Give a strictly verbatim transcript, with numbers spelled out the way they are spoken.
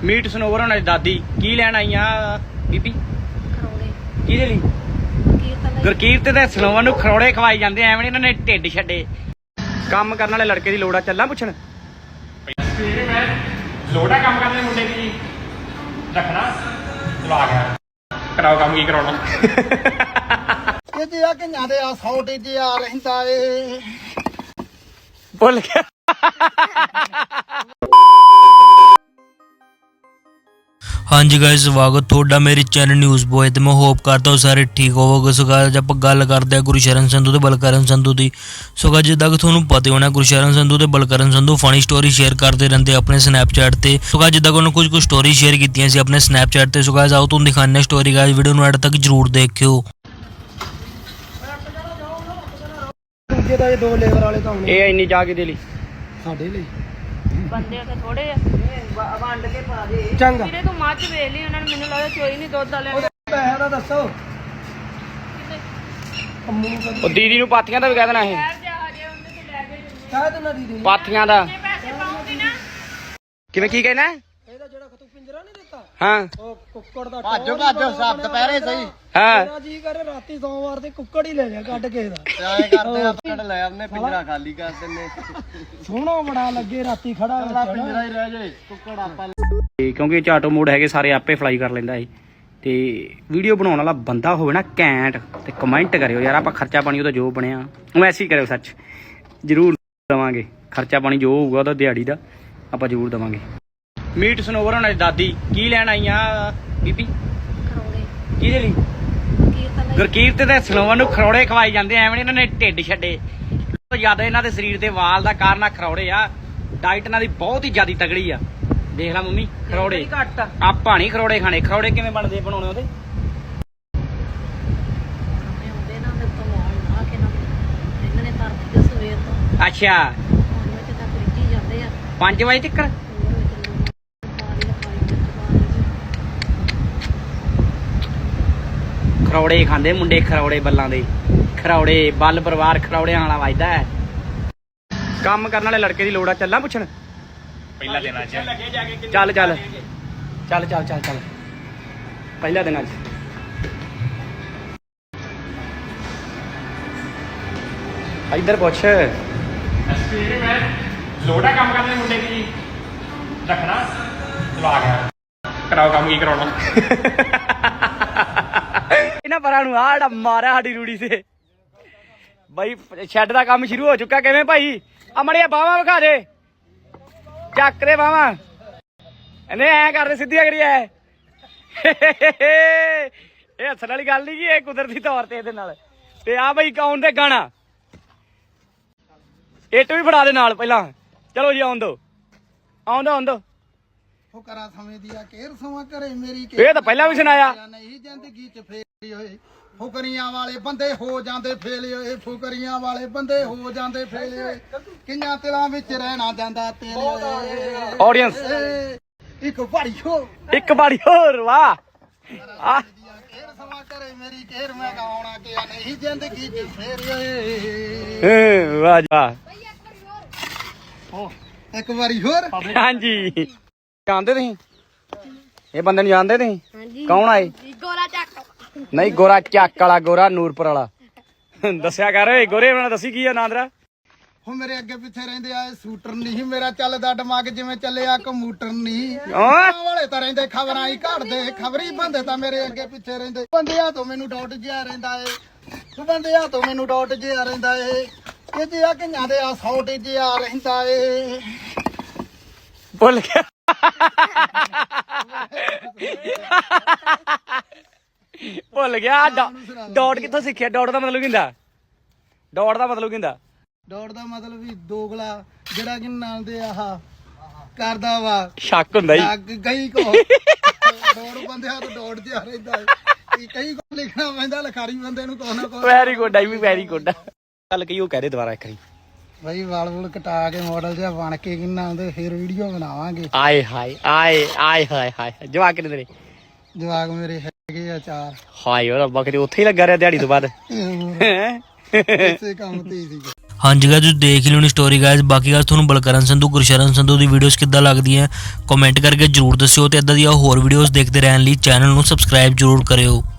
Meat ਸਨੋਵਰ ਹੋਣਾ ਦੀ ਦਾਦੀ ਕੀ ਲੈਣ ਆਈ ਆ ਬੀਬੀ? ਖਰੋੜੇ। ਕਿਹਦੇ ਲਈ? ਗੁਰਕੀਰਤ ਤੇ ਸਨੋਵਰ ਨੂੰ ਖਰੋੜੇ ਖਵਾਈ ਜਾਂਦੇ ਐਵੇਂ ਇਹਨਾਂ ਨੇ ਢਿੱਡ ਛੱਡੇ। ਕੰਮ ਕਰਨ ਵਾਲੇ ਲੜਕੇ ਦੀ ਲੋੜ ਆ, ਚੱਲਾਂ ਪੁੱਛਣ? ਸਵੇਰੇ ਮੈਂ ਲੋੜਾ ਕੰਮ ਕਰਨ ਦੇ ਮੁੰਡੇ ਦੀ ਰੱਖਣਾ ਚਲੋ ਆ ਗਿਆ। ਕਰਾਓ ਕੰਮ ਕੀ ਕਰਾਉਣਾ। ਇਹ ਤੇ ਆ ਕਈਆਂ ਦੇ ਆ ਸੌ ਟੀਜੇ ਆ ਰਹਿੰਦਾ ਏ। ਭੁੱਲ ਗਿਆ। हाँ जी गाइस, स्वागत थोड़ा मेरे चैनल न्यूज़ बॉय ते मैं होप करता हूँ सारे ठीक होवोगे। सो गाइस आप गल करते हैं गुरशरण संधू ते बलकरण संधू की। सो गाइस जिद्दां कि तुहानूं पता होना गुरशरण संधू ते Balkaran Sandhu funny story share करते रहते अपने स्नैपचैट ते। सो गाइस जिद्दां कि उन्होंने कुछ कुछ स्टोरी शेयर कीतियां सी अपने स्नैपचैट ते। सो गाइस आओ तुहानूं दिखाने स्टोरी। गाइस वीडियो नूं एंड तक जरूर देखियो। ਦੂਜੇ ਤਾਂ ਇਹ ਦੋ ਲੇਬਰ ਵਾਲੇ ਤਾਂ ਇਹ ਇੰਨੀ ਜਾ ਕੇ ਦੇ ਲਈ ਸਾਡੇ ਲਈ ਬੰਦੇ ਉੱਥੇ ਥੋੜੇ ਆ ਵੰਡ ਕੇ ਪਾ ਦੇ। ਚੰਗਾ ਵੀਰੇ ਤੂੰ ਮੱਝ ਵੇਚ ਲਈ ਉਹਨਾਂ ਨੇ ਮੈਨੂੰ ਲੱਗਦਾ ਚੋਈ ਨਹੀਂ ਦੁੱਧ ਵਾਲਿਆਂ ਨੇ। ਪੈਸੇ ਦਾ ਦੱਸੋ। ਉਹ ਦੀਦੀ ਨੂੰ ਪਾਥੀਆਂ ਦਾ ਵੀ ਕਹਿ ਦੇਣਾ ਇਹ ਸ਼ਹਿਰ ਜਾ ਹਜੇ ਉਹਦੇ ਤੇ ਲੈ ਕੇ ਜੰਨੇ ਕਹਿ ਦੇਣਾ ਦੀਦੀ ਨੂੰ। ਪਾਥੀਆਂ ਦਾ ਕਿੰਨੇ ਪੈਸੇ ਪਾਉਂਗੀ ਨਾ? ਕਿਵੇਂ ਕੀ ਕਹਿਣਾ? ਇਹਦਾ ਜਿਹੜਾ ਤੂੰ ਪਿੰਜਰਾ ਨਹੀਂ ਦਿੱਤਾ ਹਾਂ ਉਹ ਕੁੱਕੜ ਦਾ ਭਾਜੋ ਭਾਜੋ ਸਭ ਦੁਪਹਿਰੇ ਸਹੀ। ਹਾਂ ਮੇਰਾ ਜੀ ਕਰੇ ਰਾਤੀ ਸੋਮਵਾਰ ਦੇ ਕੁੱਕੜ ਹੀ ਲੈ ਜਾ ਕੱਢ ਕੇ ਦਾ। ਐ ਕਰਦੇ ਆ ਕੁੱਕੜ ਲੈ ਆਉਨੇ ਪਿੰਜਰਾ ਖਾਲੀ ਕਰ ਦਿੰਨੇ। ਸੋਹਣਾ ਬੜਾ ਲੱਗੇ ਰਾਤੀ ਖੜਾ ਅਗਲਾ ਪਿੰਜਰਾ ਹੀ ਰਹਿ ਜਾਏ ਕੁੱਕੜ ਆਪਾਂ ਤੇ ਕਿਉਂਕਿ ਇਹ ਚਾਟੋ ਮੋਡ ਹੈਗੇ ਸਾਰੇ ਆਪੇ ਫਲਾਈ ਕਰ ਲੈਂਦਾ ਇਹ। ਤੇ ਵੀਡੀਓ ਬਣਾਉਣ ਵਾਲਾ ਬੰਦਾ ਹੋਵੇ ਨਾ ਘੈਂਟ ਤੇ ਕਮੈਂਟ ਕਰਿਓ ਯਾਰ। ਆਪਾਂ ਖਰਚਾ ਪਾਣੀ ਉਹਦਾ ਜੋ ਬਣਿਆ ਉਹ ਐਸੀ ਕਰਿਓ, ਸੱਚ ਜ਼ਰੂਰ ਦੇਵਾਂਗੇ। ਖਰਚਾ ਪਾਣੀ ਜੋ ਹੋਊਗਾ ਉਹਦਾ ਦਿਹਾੜੀ ਦਾ ਆਪਾਂ ਜ਼ਰੂਰ ਦੇਵਾਂਗੇ। ਮੀਟ ਸਨੋਵਰ ਹੋਣਾ ਦੀ ਦਾਦੀ ਕੀ ਲੈਣ ਆਈ ਆ ਬੀਬੀ? ਖਰੋੜੇ। ਕਿਹਦੇ ਲਈ? ਕੀਰਤਨ ਗੁਰਕੀਰਤ ਤੇ ਸਨੋਵਰ ਨੂੰ ਖਰੋੜੇ ਖਵਾਈ ਜਾਂਦੇ ਐਵੇਂ ਇਹਨਾਂ ਨੇ ਢਿੱਡ ਛੱਡੇ। ਜਿਆਦਾ ਇਹਨਾਂ ਦੇ ਸਰੀਰ ਦੇ ਵਾਲ ਦਾ ਕਾਰਨ ਆ ਖਰੋੜੇ ਆ। ਡਾਈਟ ਇਹਨਾਂ ਦੀ ਬਹੁਤ ਹੀ ਜ਼ਿਆਦਾ ਤਗੜੀ ਆ। ਦੇਖ ਲੈ ਮੰਮੀ ਖਰੋੜੇ ਘੱਟ ਆਪਾਂ ਨਹੀਂ ਖਰੋੜੇ ਖਾਣੇ। ਖਰੋੜੇ ਕਿਵੇਂ ਬਣਦੇ ਬਣਾਉਣੇ ਉਹਦੇ? ਹੁੰਦੇ ਨਾ ਤੇ ਤਵਾਲ ਨਾ ਕੇ ਨਾ ਇਹਨਾਂ ਨੇ ਧਰਤੀ ਤੇ ਸਵੇਰ ਤੋਂ ਅੱਛਾ ਪੰਜ ਵਜੇ ਤੱਕ ਰਿੱਝੀ ਜਾਂਦੇ ਆ। ਪੰਜ ਵਜੇ ਤੱਕ? ਖਰੋੜੇ ਖਾਂਦੇ ਮੁੰਡੇ, ਖਰੋੜੇ ਬੱਲਾਂ ਦੇ। ਖਰੋੜੇ ਬੱਲ ਪਰਿਵਾਰ ਖਰੋੜਿਆਂ ਵਾਲਾ ਵੱਜਦਾ ਹੈ। ਕੰਮ ਕਰਨ ਵਾਲੇ ਲੜਕੇ ਦੀ ਲੋੜ ਆ, ਚੱਲਾਂ ਪੁੱਛਣ? ਪਹਿਲਾ ਦਿਨ ਅੱਜ ਚੱਲ ਚੱਲ ਚੱਲ ਚੱਲ ਚੱਲ ਚੱਲ ਚੱਲ ਪਹਿਲਾ ਦਿਨ ਅੱਜ। ਇੱਧਰ ਪੁੱਛ। ਸਵੇਰੇ ਮੈਂ ਲੋੜਾ ਕੰਮ ਕਰਦੇ ਮੁੰਡੇ ਦੀ ਰੱਖਣਾ ਚਲੋ ਆ ਗਿਆ। ਕਰਾਓ ਕੰਮ ਕੀ ਕਰਾਉਣਾ। ਇਹਨਾਂ ਪਰਾਂ ਨੂੰ ਆਹ ਮਾਰਿਆ ਸਾਡੀ ਰੂੜੀ ਤੇ ਬਾਈ। ਸ਼ੈੱਡ ਦਾ ਕੰਮ ਸ਼ੁਰੂ ਹੋ ਚੁੱਕਾ। ਕਿਵੇਂ ਭਾਈ? ਆ ਮੜਿਆ ਬਾਹਾਂ ਵਿਖਾ ਦੇ, ਚੱਕ ਦੇ ਬਾਹਾਂ। ਇਹਨੇ ਐ ਕਰਦੇ ਸਿੱਧੀਆਂ ਕਰੀ ਐ। ਇਹ ਹੱਸਣ ਵਾਲੀ ਗੱਲ ਨਹੀਂ ਗੀ, ਇਹ ਕੁਦਰਤੀ ਤੌਰ ਤੇ ਇਹਦੇ ਨਾਲ। ਤੇ ਆ ਬਈ ਕੌਣ ਦੇ ਗਾਣਾ ਇੱਟ ਵੀ ਫੜਾ ਦੇ ਨਾਲ ਪਹਿਲਾਂ। ਚਲੋ ਜੀ ਆਉਣ ਦੋ ਆਉਣ ਦੋ ਆਉਣ ਦੋ। ਫੁਕਰਾ ਸਮੇਂ ਦੀ ਆ ਕੇਰ ਸਮਾਂ ਕਰੇ ਮੇਰੀ ਇਹ ਤਾਂ ਪਹਿਲਾਂ ਵੀ ਸੁਣਾਇਆ। ਨਹੀਂ ਜ਼ਿੰਦਗੀ ਚ ਫੇਰੀ ਹੋਏ ਫੁਕਰੀਆਂ ਵਾਲੇ ਬੰਦੇ ਹੋ ਜਾਂਦੇ ਫੇਲੇ ਹੋਏ। ਫੁਕਰੀਆਂ ਵਾਲੇ ਬੰਦੇ ਹੋ ਜਾਂਦੇ ਫੇਲੇ ਹੋਏ। ਕਿੰਨਾ ਤਿਲਾਂ ਵਿੱਚ ਰਹਿਣਾ ਜਾਂਦਾ ਤੇਰੇ ਹੋਏ। ਆਡੀਅנס ਇੱਕ ਵਾਰੀ ਹੋ ਇੱਕ ਵਾਰੀ ਹੋਰ। ਵਾਹ ਆ ਕੇਰ ਸਮਾਂ ਕਰੇ ਮੇਰੀ ਕੇਰ ਮੈਂ ਗਾਉਣਾ ਕਿ ਨਹੀਂ ਜ਼ਿੰਦਗੀ ਚ ਫੇਰੀ ਹੋਏ। ਵਾਹ ਜੀ ਵਾਹ। ਇੱਕ ਵਾਰੀ ਹੋਰ। ਹਾਂਜੀ ਜਾਣਦੇ ਤੁਸੀਂ ਇਹ ਬੰਦੇ ਨੂੰ? ਜਾਣਦੇ ਤੁਸੀਂ? ਹਾਂਜੀ। ਕੌਣ ਆਏ? ਗੋਰਾ ਚੱਕ। ਨਹੀਂ ਗੋਰਾ ਚੱਕ ਵਾਲਾ, ਗੋਰਾ ਨੂਰਪੁਰ ਵਾਲਾ। ਦੱਸਿਆ ਕਰ ਓਏ ਗੋਰੇ ਉਹਨਾਂ ਦੱਸੀ ਕੀ ਆ ਨਾਂ ਤੇਰਾ? ਉਹ ਮੇਰੇ ਅੱਗੇ ਪਿੱਛੇ ਰਹਿੰਦੇ ਆ ਸ਼ੂਟਰ ਨਹੀਂ ਮੇਰਾ ਚੱਲਦਾ ਦਿਮਾਗ ਜਿਵੇਂ ਚੱਲਿਆ ਕੰਪਿਊਟਰ ਨਹੀਂ। ਓਏ ਵਾਲੇ ਤਾਂ ਰਹਿੰਦੇ ਖਬਰਾਂ ਹੀ ਘੜਦੇ ਖਬਰੀ ਬੰਦੇ ਤਾਂ ਮੇਰੇ ਅੱਗੇ ਪਿੱਛੇ ਰਹਿੰਦੇ। ਬੰਦਿਆਂ ਤੋਂ ਮੈਨੂੰ ਡਾਊਟ ਜਿਹਾ ਰਹਿੰਦਾ ਏ। ਤੂੰ ਬੰਦਿਆਂ ਤੋਂ ਮੈਨੂੰ ਡਾਊਟ ਜਿਹਾ ਰਹਿੰਦਾ ਏ। ਇਹ ਤੇ ਆ ਕਈਆਂ ਦੇ ਆ ਸੌ ਟੀਜੇ ਆ ਰਹਿੰਦਾ ਏ। ਭੁੱਲ ਗਿਆ। ਭੁੱਲ ਗਿਆ। ਡਾਟ ਕਿੱਥੋਂ ਸਿੱਖਿਆ? ਡਾਟ ਦਾ ਮਤਲਬ ਕੀ ਹੁੰਦਾ? ਡਾਟ ਦਾ ਮਤਲਬ ਕੀ ਹੁੰਦਾ? ਡਾਊਟ ਦਾ ਮਤਲਬ ਵੀ ਦੋਗਲਾ ਜਿਹੜਾ ਕਿ ਨਾਲ ਦੇ ਆਹ ਕਰਦਾ ਵਾ ਸ਼ੱਕ ਹੁੰਦਾ ਹੀ। ਲੱਗ ਗਈ ਕੋ ਡਾਊਟ ਬੰਦਿਆਂ ਤੋਂ ਡਾਊਟ ਜਿਹਾ ਰਹਿੰਦਾ ਏ। ਕਈ ਕੋ ਲਿਖਣਾ ਪੈਂਦਾ ਲਿਖਾਰੀ ਬੰਦੇ ਨੂੰ ਕੋਈ ਨਾ ਕੋਈ। ਵੈਰੀ ਗੁੱਡ ਆਈ ਵੀ ਵੈਰੀ ਗੁੱਡ। ਚੱਲ ਕਹੀ ਉਹ ਕਹਿ ਦੇ ਦੁਬਾਰਾ ਇੱਕ ਵਾਰੀ। ਬਾਈ ਵਾਲ ਵੂਲ ਕਟਾ ਕੇ ਮਾਡਲ ਜਿਹਾ ਬਣ ਕੇ ਕਿੰਨਾ ਆਉਂਦੇ ਫਿਰ ਵੀਡੀਓ ਬਣਾਵਾਂਗੇ। ਆਏ ਹਾਏ ਆਏ ਆਏ ਹਾਏ ਹਾਏ ਜਵਾਕ ਕਿੰਨੇ ਤੇਰੇ? ਜਵਾਕ ਮੇਰੇ ਹੈਗੇ ਆ ਚਾਰ। ਹਾਏ ਉਹ ਰੱਬਾ ਕਿਤੇ ਉੱਥੇ ਹੀ ਲੱਗਾ ਰਿਹਾ ਦਿਹਾੜੀ ਤੋਂ ਬਾਅਦ। ਇਸੇ ਕੰਮ ਤੇ ਹੀ ਸੀਗੇ। ਹਾਂਜੀ ਗਾਇਸ ਤੁਸੀਂ ਦੇਖ ਹੀ ਲਿਓਣੀ ਸਟੋਰੀ ਗਾਇਸ। ਬਾਕੀ ਗਾਇਸ ਤੁਹਾਨੂੰ ਬਲਕਰਨ ਸੰਧੂ ਗੁਰਸ਼ਰਨ ਸੰਧੂ ਦੀ ਵੀਡੀਓਜ਼ ਕਿੱਦਾਂ ਲੱਗਦੀਆਂ ਕਮੈਂਟ ਕਰਕੇ ਜਰੂਰ ਦੱਸਿਓ ਤੇ ਇਦਾਂ ਦੀਆਂ ਹੋਰ ਵੀਡੀਓਜ਼ ਦੇਖਦੇ ਰਹਿਣ ਲਈ ਚੈਨਲ ਨੂੰ ਸਬਸਕ੍ਰਾਈਬ ਜਰੂਰ ਕਰਿਓ।